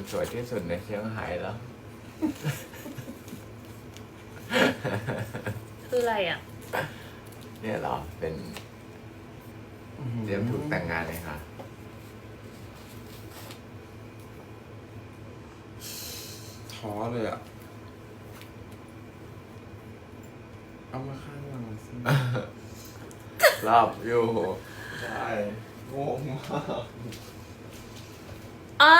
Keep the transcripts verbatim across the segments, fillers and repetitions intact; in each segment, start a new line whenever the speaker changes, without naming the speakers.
สวยที่สุดในเชียงไฮ้แล้ว
คืออะไรอ่ะ
เนี่ยเหรอเป็นเตรียมถูกแต่งงานเลยค่ะ
ท้อเลยอ่ะ เอามาข้างหลังสิ
รอบอยู่
ใช่งงมาก
อ๋อ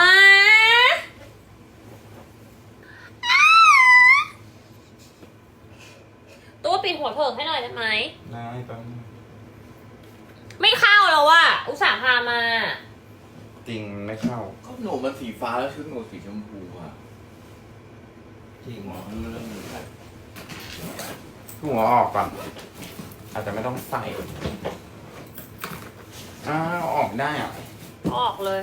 ตัวปิดหัวเถิกให้หน่อยได้ไหม
นายแป๊บนึง
ไม่เข้าแล้วว่ะอุตส่าห์พามา
จริงไม่เข้า
ก็หนูมันสีฟ้าแล้วชุดหนูสีชมพูอ่ะ
จริง
หมอไม่รู้เรื่องนี้ครับ
หัวออกก่อนอาจจะไม่ต้องใส่อ้าวออกได้อ่ะ
ออกเลย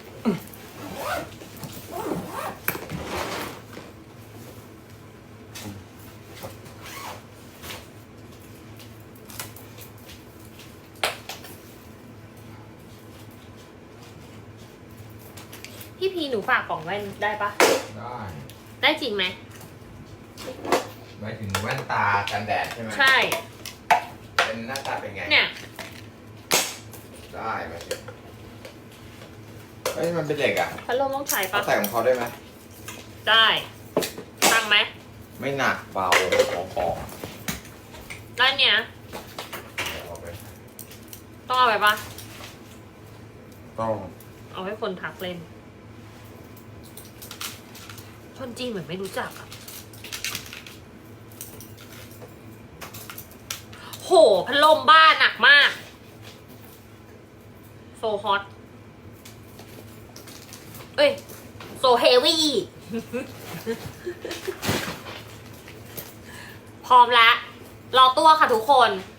พี่พีหนูฝากกล่องแว่นได้ปะ
ได้
ได้จริงไหม
หมายถึงแว่นตากันแดดใช่ไหม
ใช่
เป็นหน้าตาเป็นไง
เนี่ย
ได้ไหมสิเฮ้ยมันเป็นเหล็กอ่ะ
พัดลมต้องใช้
เขา
ปะ
ใส่ของเขาได้ไหม
ได้ตั้งไหม
ไม่หนักเบาของของ
ด้านเนี้ย
เอาไป
ต้องเอาไปปะ
ต้อง
เอาให้คนทักเล่น คนจีนเหมือนไม่รู้จักอะโหพัดลมบ้านหนักมาก โซฮอต เอ้ย โซเฮวี่ พร้อมแล้ว รอตัวค่ะทุกคน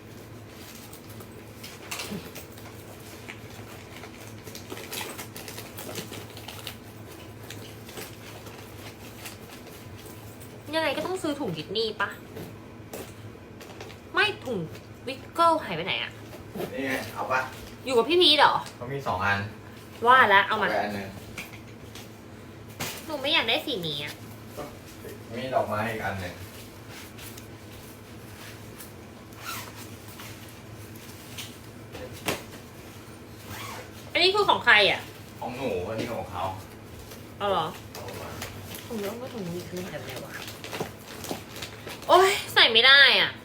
ยังไงก็ต้องซื้อถุงดิสนีย์ปะ ไม่ถุงวิกเกิลหายไปไหนอะ
นี่ไงเอาปะ
อยู่กับพี่พีทเหรอ
เขามีสองอัน
ว่าแล้วเอามา
ไปอันหนึ่ง
หนูไม่อยากได้สีนี้อะ
มีดอกไม้อีกอันหนึ่ง
อันนี้คือของใครอะ
ของหนูอันนี้ของเขา
เอาเหรอ
เอามา
ถุงเยอะก็ถุงนี้คือแบบไหนวะ โอ๊ย ใส่ไม่ได้อ่ะ